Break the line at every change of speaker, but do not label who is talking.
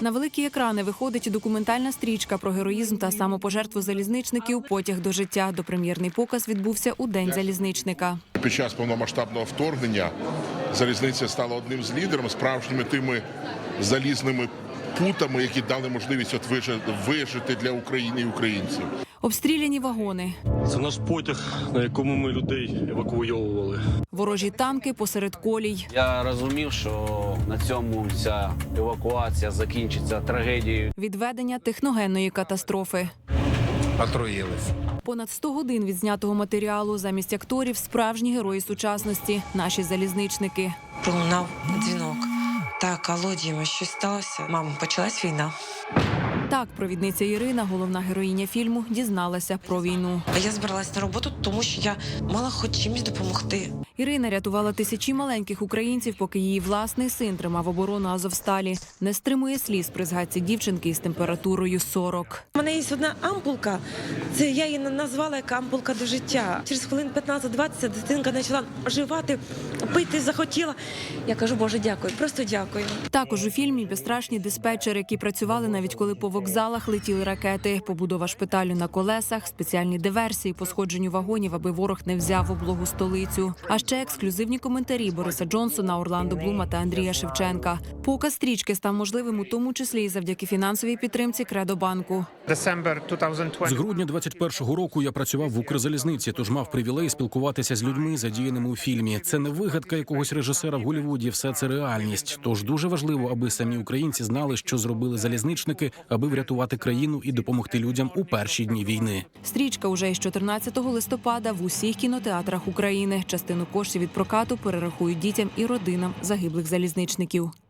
На великі екрани виходить документальна стрічка про героїзм та самопожертву залізничників «Потяг до життя». Допрем'єрний показ відбувся у День залізничника.
Під час повномасштабного вторгнення залізниця стала одним з лідерів, справжніми тими залізними путами, які дали можливість вижити для України і українців.
Обстріляні вагони.
Це наш потяг, на якому ми людей евакуйовували.
Ворожі танки посеред колій.
Я розумів, що на цьому ця евакуація закінчиться трагедією.
Відведення техногенної катастрофи.
Отруїлись.
Понад 100 годин відзнятого матеріалу. Замість акторів – справжні герої сучасності – наші залізничники.
Пролунав дзвінок. Так, алло, Діма, щось сталося? Мамо, почалась війна.
Так, провідниця Ірина, головна героїня фільму, дізналася про війну.
Я збиралась на роботу, тому що я мала хоч чимось допомогти.
Ірина рятувала тисячі маленьких українців, поки її власний син тримав оборону Азовсталі. Не стримує сліз при згадці дівчинки із температурою 40.
У мене є одна ампулка, це я її назвала як ампулка до життя. Через хвилин 15-20 дитинка почала оживати, пити захотіла. Я кажу, Боже, дякую, просто дякую.
Також у фільмі безстрашні диспетчери, які працювали навіть коли по вокзалах летіли ракети, побудова шпиталю на колесах, спеціальні диверсії по сходженню вагонів, аби ворог не взяв облогу столицю. А ще ексклюзивні коментарі Бориса Джонсона, Орландо Блума та Андрія Шевченка. Показ стрічки став можливим у тому числі і завдяки фінансовій підтримці Кредобанку.
З грудня 21-го року я працював в Укрзалізниці, тож мав привілей спілкуватися з людьми, задіяними у фільмі. Це не вигадка якогось режисера в Голлівуді, все це реальність. Тож дуже важливо, аби самі українці знали, що зробили залізничники, аби врятувати країну і допомогти людям у перші дні війни.
Стрічка уже із 14 листопада в усіх кінотеатрах України. Частину коштів від прокату перерахують дітям і родинам загиблих залізничників.